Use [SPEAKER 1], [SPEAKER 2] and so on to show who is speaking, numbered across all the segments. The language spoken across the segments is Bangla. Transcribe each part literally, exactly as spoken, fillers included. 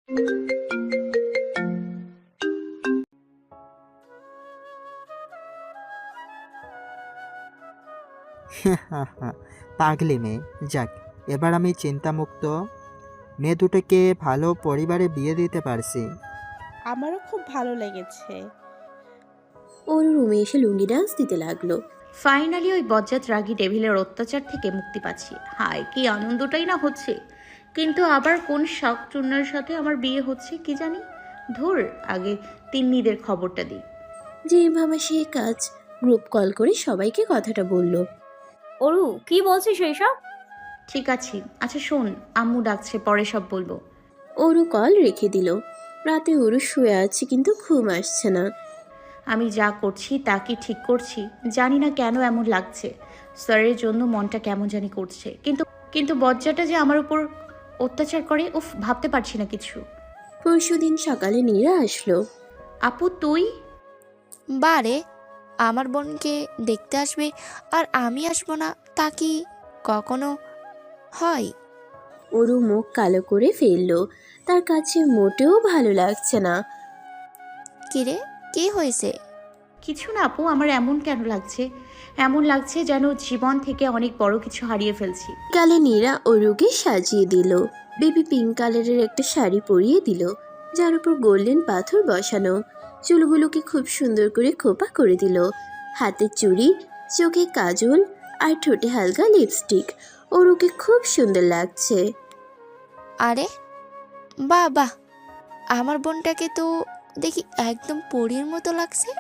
[SPEAKER 1] পাগলি মেয়ে। যাক, এবার আমি চিন্তামুক্ত। মেয়ে দুটোকে ভালো পরিবারে বিয়ে দিতে পারছি।
[SPEAKER 2] আমারও খুব ভালো লেগেছে।
[SPEAKER 3] ওর রুমে এসে লুঙ্গি ডান্স দিতে লাগলো।
[SPEAKER 4] ফাইনালি ওই বজ্জাত রাগী ডেভিলের অত্যাচার থেকে মুক্তি পাচ্ছি। হায় কি আনন্দটাই না হচ্ছে। কিন্তু আবার কোন শাক চূর্ণের সাথে আমার বিয়ে হচ্ছে কি জানি। ধুর, আগে তিন্নিদের খবরটা দিই।
[SPEAKER 3] যে ভাবা সে কাজ, গ্রুপ কল করে সবাইকে কথাটা বলল।
[SPEAKER 5] অরু কি বলছিস এইসব?
[SPEAKER 4] ঠিক আছে, আচ্ছা শোন, আম্মু ডাকছে, পরে সব বলবো।
[SPEAKER 3] ওরু কল রেখে দিল। রাতে ওরু শুয়ে আছে কিন্তু ঘুম আসছে না।
[SPEAKER 4] আমি যা করছি তা কি ঠিক করছি জানি না, কেন এমন লাগছে। স্যারের জন্য মনটা কেমন জানি করছে, কিন্তু কিন্তু বজ্জাটা যে আমার উপর অত্যাচার করে, উফ, ভাবতে পারছি না কিছু।
[SPEAKER 3] পরশুদিন সকালে নীরা আসলো।
[SPEAKER 4] আপু তুই?
[SPEAKER 6] বারে, আমার বোনকে দেখতে আসবে আর আমি আসবো না, তা কি কখনো হয়?
[SPEAKER 3] ওরু মুখ কালো করে ফেললো। তার কাছে মোটেও ভালো লাগছে না।
[SPEAKER 6] কিরে, কি হয়েছে?
[SPEAKER 4] কিছু না আপু, আমার এমন কেন লাগছে, এমন লাগছে যেন জীবন থেকে অনেক বড় কিছু হারিয়ে ফেলছি।
[SPEAKER 3] কালে নীরা ওরুকে সাজিয়ে দিল। বেবি পিঙ্ক কালারের একটা শাড়ি পরিয়ে দিল, যার উপর গোল্ডেন পাথর বসানো। চুলগুলোকে খুব সুন্দর করে খোপা করে দিল। হাতের চুড়ি, চোখে কাজল আর ঠোঁটে হালকা লিপস্টিক। ওরুকে খুব সুন্দর লাগছে।
[SPEAKER 6] আরে বাহ বাহ, আমার বোনটাকে তো দেখি একদম পরীর মতো লাগছে।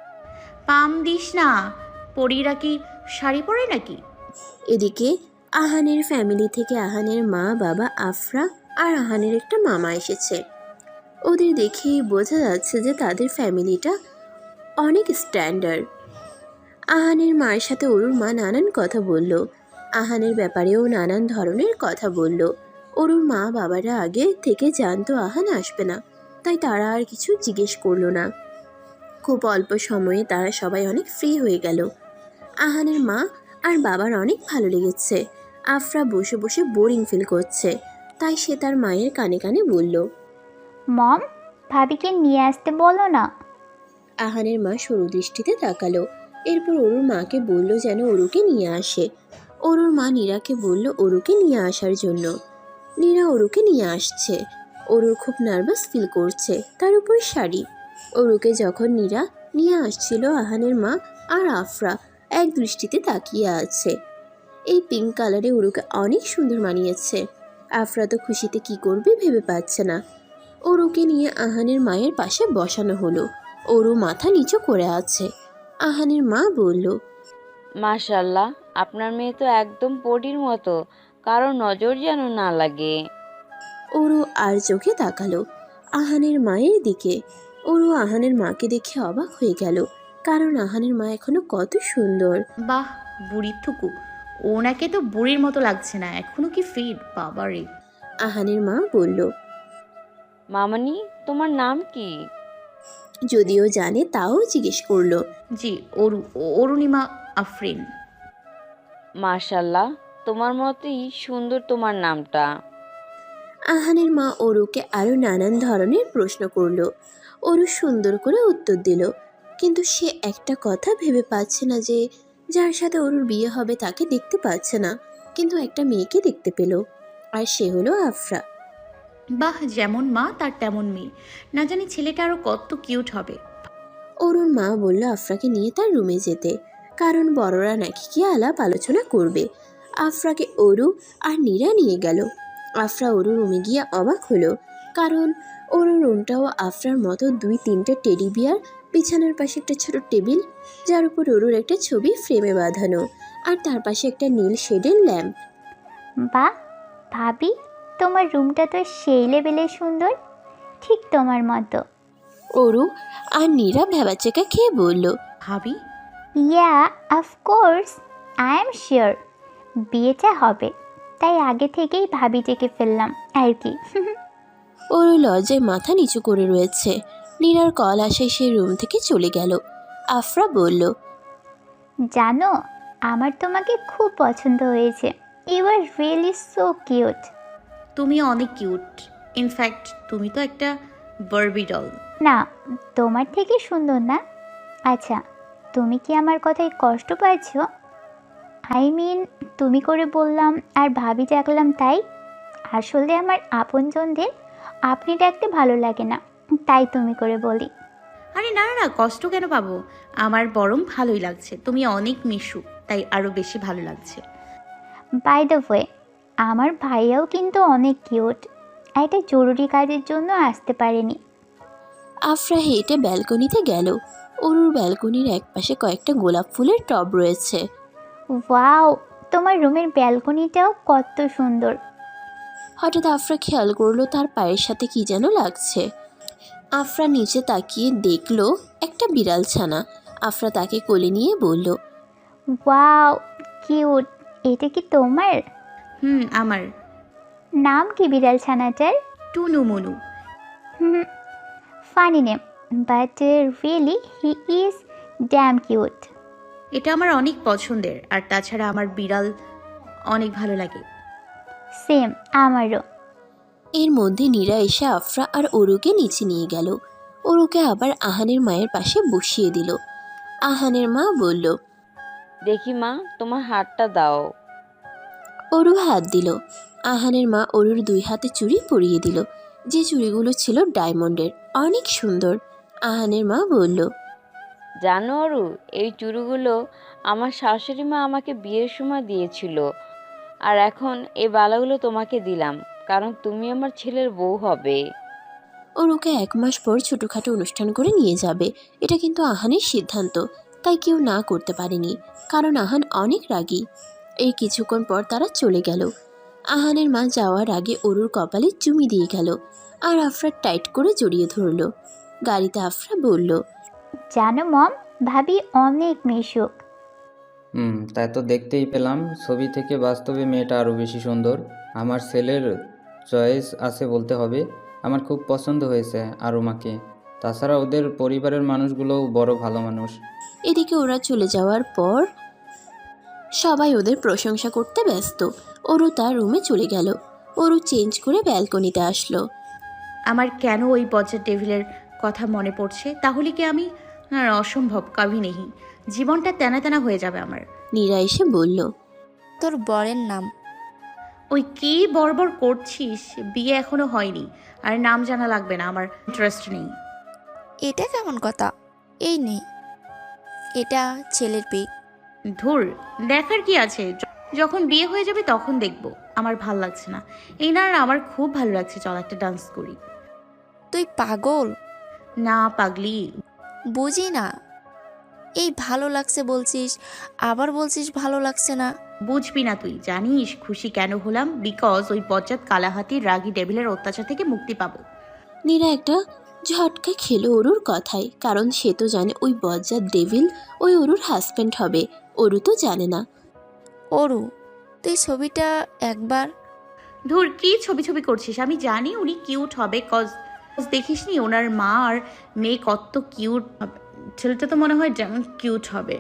[SPEAKER 4] পাম দিস না, পরীরা কি শাড়ি পরে নাকি?
[SPEAKER 3] এদিকে আহানের ফ্যামিলি থেকে আহানের মা, বাবা, আফরা আর আহানের একটা মামা এসেছে। ওদের দেখেই বোঝা যাচ্ছে যে তাদের ফ্যামিলিটা অনেক স্ট্যান্ডার্ড। আহানের মায়ের সাথে অরুর মা নানান কথা বলল। আহানের ব্যাপারেও নানান ধরনের কথা বলল। অরুর মা বাবারা আগে থেকে জানতো আহান আসবে না, তাই তারা আর কিছু জিজ্ঞেস করলো না। খুব অল্প সময়ে তারা সবাই অনেক ফ্রি হয়ে গেল। আহানের মা আর বাবার অনেক ভালো লেগেছে। আফরা বসে বসে বোরিং ফিল করছে, তাই সে তার মায়ের কানে কানে বলল,
[SPEAKER 7] মম, ভাবিকে নিয়ে আসতে বলো না।
[SPEAKER 3] আহানের মা সরু দৃষ্টিতে তাকালো। এরপর অরুর মাকে বলল যেন অরুকে নিয়ে আসে। অরুর মা নীরাকে বলল অরুকে নিয়ে আসার জন্য। নীরা অরুকে নিয়ে আসছে। অরুর খুব নার্ভাস ফিল করছে, তার উপর শাড়ি। অরুকে যখন নীরা নিয়ে আসছিল, আহানের মা আর আফরা এক দৃষ্টিতে তাকিয়ে আছে। এই পিঙ্ক কালারে অরুকে অনেক সুন্দর মানিয়েছে। আফরা তো খুশিতে কি করবে ভেবে পাচ্ছে না। অরুকে নিয়ে আহানের মায়ের পাশে বসানো হলো। অরু মাথা নিচু করে আছে। আহানের মা বলল,
[SPEAKER 5] মাশাল্লাহ, আপনার মেয়ে তো একদম পরীর মতো, কারো নজর যেন না লাগে।
[SPEAKER 3] অরু আর চোখে তাকালো আহানের মায়ের দিকে। অরু আহানের মাকে দেখে অবাক হয়ে গেল, কারণ আহানের মা এখনো কত সুন্দর।
[SPEAKER 4] বাহ, বুড়ির থুকু, ওনাকে তো বুড়ির মতো লাগছে না, এখনো কি ফিট, বাবারে।
[SPEAKER 3] আহানের মা বলল,
[SPEAKER 5] মামনি, তোমার নাম কি?
[SPEAKER 3] যদিও জানে তাও জিজ্ঞেস করলো।
[SPEAKER 4] জি, অরু, অরুণিমা আফরিন।
[SPEAKER 5] মাশাল্লাহ, তোমার মতোই সুন্দর তোমার নামটা।
[SPEAKER 3] আহানের মা অরুকে আরো নানান ধরনের প্রশ্ন করলো। অরু সুন্দর করে উত্তর দিল, কিন্তু সে একটা কথা ভেবে পাচ্ছে না যে যার সাথে অরুর বিয়ে হবে তাকে দেখতে পাচ্ছে না, কিন্তু একটা মেয়েকে দেখতে পেল, আর সে হলো আফরা।
[SPEAKER 4] বাহ, যেমন মা তার তেমন মেয়ে, না জানি ছেলেটা আরো কত কিউট হবে।
[SPEAKER 3] অরুর মা বলল আফরাকে নিয়ে তার রুমে যেতে, কারণ বড়রা নাকি কি আলাপ আলোচনা করবে। আফরাকে অরু আর নীরা নিয়ে গেল। আফরা অরু রুমে গিয়ে অবাক হলো, কারণ অরু রুমটাও আফরার মতো দুই তিনটা টেডি বিয়ার, বিছানার পাশে একটা ছোট টেবিল যার উপর অরুর একটা ছবি ফ্রেমে বাঁধানো, আর তার পাশে একটা নীল শেডের ল্যাম্প।
[SPEAKER 7] বাহ ভাবি, তোমার রুমটা তো সেই লেভেলে সুন্দর, ঠিক তোমার মতো।
[SPEAKER 3] অরু আর নীরা ভেবাচেকা খেয়ে বলল,
[SPEAKER 4] ভাবি?
[SPEAKER 7] Yeah, of course, I am sure বিয়েটা হবে, তাই আগে থেকেই ভাবি ডেকে ফেললাম আর কি।
[SPEAKER 3] অরু লজ্জায় মাথা নিচু করে রয়েছে। নীরার কল আসে, সে রুম থেকে চলে গেল। আফরা বলল,
[SPEAKER 7] জানো, আমার তোমাকে খুব পছন্দ হয়েছে। You are really so cute.
[SPEAKER 4] তুমি অনেক কিউট। ইনফ্যাক্ট তুমি তো একটা বারবি ডল।
[SPEAKER 7] না, তোমার থেকে সুন্দর না। আচ্ছা, তুমি কি আমার কথায় কষ্ট পাচ্ছ? আই মিন, তুমি করে বললাম আর ভাবি ডাকলাম তাই। আসলে আমার আপনজনদের আপনি ডাকতে ভালো লাগে না, তাই তুমি করে বলি।
[SPEAKER 4] আরে না না না, কষ্ট কেন পাবো? আমার বরং ভালোই লাগছে, তুমি অনেক মিশু, তাই আরো বেশি ভালো লাগছে।
[SPEAKER 7] বাই দ্য ওয়ে, আমার ভাইয়াও কিন্তু অনেক কিউট। একটা জরুরি কাজের জন্য আসতে পারেনি।
[SPEAKER 3] আফরা হেঁটে ব্যালকনিতে গেল। অরুর ব্যালকনির একপাশে কয়েকটা গোলাপ ফুলের টব রয়েছে।
[SPEAKER 7] ওয়াও, তোমার রুমের ব্যালকনিটাও কত সুন্দর।
[SPEAKER 3] হঠাৎ আফরা খেয়াল করলো তার পায়ের সাথে কি যেন লাগছে। আফরা নিচে তাকিয়ে দেখলো একটা বিড়াল ছানা। আফরা তাকে কোলে নিয়ে বলল,
[SPEAKER 7] ওয়াও, কিউট। এটা কি তোমার?
[SPEAKER 4] হুম, আমার।
[SPEAKER 7] নাম কি বিড়াল ছানাটার?
[SPEAKER 4] Tunu Munu.
[SPEAKER 7] Hmm, funny name, but really he is damn cute.
[SPEAKER 4] এটা আমার অনেক পছন্দের, আর তাছাড়া আমার বিড়াল অনেক ভালো লাগে।
[SPEAKER 7] সেম, আমারও।
[SPEAKER 3] এর মধ্যে নীরা এসে আফরা আর অরুকে নিচে নিয়ে গেল। অরুকে আবার আহানের মায়ের পাশে বসিয়ে দিল। আহানের মা বলল,
[SPEAKER 5] দেখি মা, তোমার হাতটা দাও।
[SPEAKER 3] অরু হাত দিল। আহানের মা অরুর দুই হাতে চুড়ি পরিয়ে দিল, যে চুড়িগুলো ছিল ডায়মন্ডের, অনেক সুন্দর। আহানের মা বলল,
[SPEAKER 5] জানো অরু, এই চুড়িগুলো আমার শাশুড়ি মা আমাকে বিয়ের সময় দিয়েছিল, আর এখন এই বালাগুলো তোমাকে দিলাম, কারণ তুমি আমার ছেলের বউ হবে।
[SPEAKER 3] অরুকে এক মাস পর ছোটোখাটো অনুষ্ঠান করে নিয়ে যাবে, এটা কিন্তু আহানের সিদ্ধান্ত, তাই কেউ না করতে পারেনি, কারণ আহান অনেক রাগী। এই কিছুক্ষণ পর তারা চলে গেল। আহানের মা যাওয়ার আগে অরুর কপালে চুমি দিয়ে গেল, আর আফরা টাইট করে জড়িয়ে ধরল। গাড়িতে আফরা বলল,
[SPEAKER 7] জানো মম, ভাবি অনেক মিশুক।
[SPEAKER 8] হুম, তাই তো দেখতেই পেলাম। ছবি থেকে বাস্তবে মেয়েটা আরও বেশি সুন্দর। আমার ছেলের চয়েস আছে বলতে হবে। আমার খুব পছন্দ হয়েছে আরুমাকে। তাছাড়া ওদের পরিবারের মানুষগুলোও বড় ভালো মানুষ।
[SPEAKER 3] এদিকে ওরা চলে যাওয়ার পর সবাই ওদের প্রশংসা করতে ব্যস্ত। অরু তার রুমে চলে গেল। অরু চেঞ্জ করে ব্যালকনিতে আসলো।
[SPEAKER 4] আমার কেন ওই বজ্জার টেবিলের কথা মনে পড়ছে? তাহলে কি আমি না, অসম্ভব, কাভি নেহি। জীবনটা তেনা তেনা হয়ে যাবে আমার।
[SPEAKER 3] নীরা এসে বলল,
[SPEAKER 6] তোর বরের নাম?
[SPEAKER 4] ওই কি বড়বড় করছিস? বিয়ে এখনো হয়নি, আর নাম জানা লাগবে না, আমার ইন্টারেস্ট নেই।
[SPEAKER 6] এটা কেমন কথা? এই নে, এটা ছেলের পিক।
[SPEAKER 4] ধুর, দেখার কি আছে? য- যখন বিয়ে হয়ে যাবে তখন দেখবো। আমার ভাল লাগছে না এই না, আর আমার খুব ভালো লাগছে। চল একটা ডান্স করি।
[SPEAKER 6] তুই পাগল?
[SPEAKER 4] না পাগলি,
[SPEAKER 6] বুঝি না। এই ভালো লাগছে বলছিস, আবার বলছিস ভালো লাগছে না।
[SPEAKER 4] বুঝবি না তুই। জানিস খুশি কেন হলাম? বিকজ ওই বজ্জাত কালাহাতির রাগী ডেভিলের অত্যাচার থেকে মুক্তি পাবো।
[SPEAKER 3] নীরা একটা ঝটকা খেলো অরুর কথায়, কারণ সে তো জানে ওই বজ্জাত ডেভিল ওই অরুর হাজব্যান্ড হবে। অরু তো জানে না।
[SPEAKER 6] অরু, তুই ছবিটা একবার।
[SPEAKER 4] ধুর, কি ছবি ছবি করছিস? আমি জানি উনি কিউট হবে, কজ দেখিস নি ওনার মা আর মেয়ে কত কিউট। ছেলেটা তো মনে হয় যেমন কিউট হবে।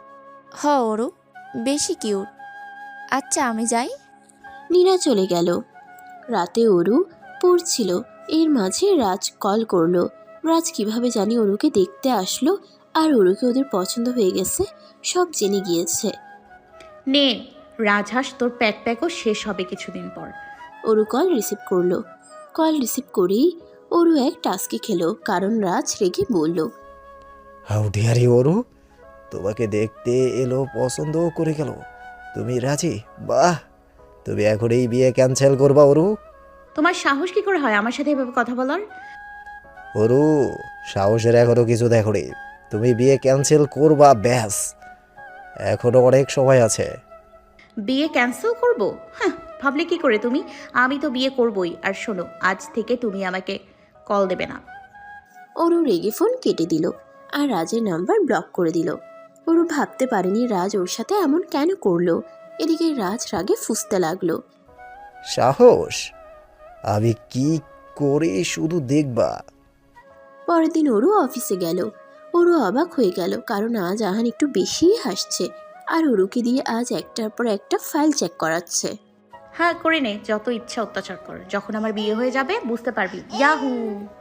[SPEAKER 6] হ অরু, বেশি কিউট। আচ্ছা আমি যাই।
[SPEAKER 3] নীরা চলে গেল। রাতে অরু পড়ছিল, এর মাঝে রাজ কল করলো। রাজ কিভাবে জানি অরুকে দেখতে আসলো, আর অরুকে ওদের পছন্দ হয়ে গেছে, সব জেনে গিয়েছে।
[SPEAKER 4] নে রাজহাঁস, তোর প্যাক প্যাকও শেষ হবে কিছুদিন পর।
[SPEAKER 3] অরু কল রিসিভ করলো। কল রিসিভ করেই অরু এক টাস্কি খেলো, কারণ রাজ রেগে বলল,
[SPEAKER 9] হাউ ডিয়ারি অরু, তোমাকে দেখতে এলো, পছন্দও করে গেল। তুমি রাজি? বাহ, তুমি এখন এই বিয়ে ক্যান্সেল করবা অরু?
[SPEAKER 4] তোমার সাহস কি করে হয় আমার সাথে এভাবে কথা বলার?
[SPEAKER 9] অরু, সাহসের এখনো কিছু দেখোনি। তুমি বিয়ে ক্যান্সেল করবা, ব্যাস। এখনো অনেক সময় আছে।
[SPEAKER 4] বিয়ে ক্যান্সেল করব? হ্যাঁ, ভাবলে কি করে তুমি? আমি তো বিয়ে করবই। আর শোনো, আজ থেকে তুমি আমাকে কল দেবে না।
[SPEAKER 3] অরু রেগে ফোন কেটে দিল, আর রাজের নাম্বার ব্লক করে দিল। অরু ভাবতে পারেনি রাজ ওর সাথে এমন কেন করলো। এদিকে রাজ রাগে ফুঁসতে লাগলো।
[SPEAKER 9] সাহস? আমি কি করে শুধু দেখবা।
[SPEAKER 3] পরের দিন অরু অফিসে গেল। অরু অবাক হয়ে গেল, কারণ আজ আহান একটু বেশিই হাসছে, আর অরুকে দিয়ে আজ একটার পর একটা ফাইল চেক করাচ্ছে।
[SPEAKER 4] হ্যাঁ করে নে, যত ইচ্ছা অত্যাচার কর। যখন আমার বিয়ে হয়ে যাবে বুঝতে পারবি। ইয়াহু।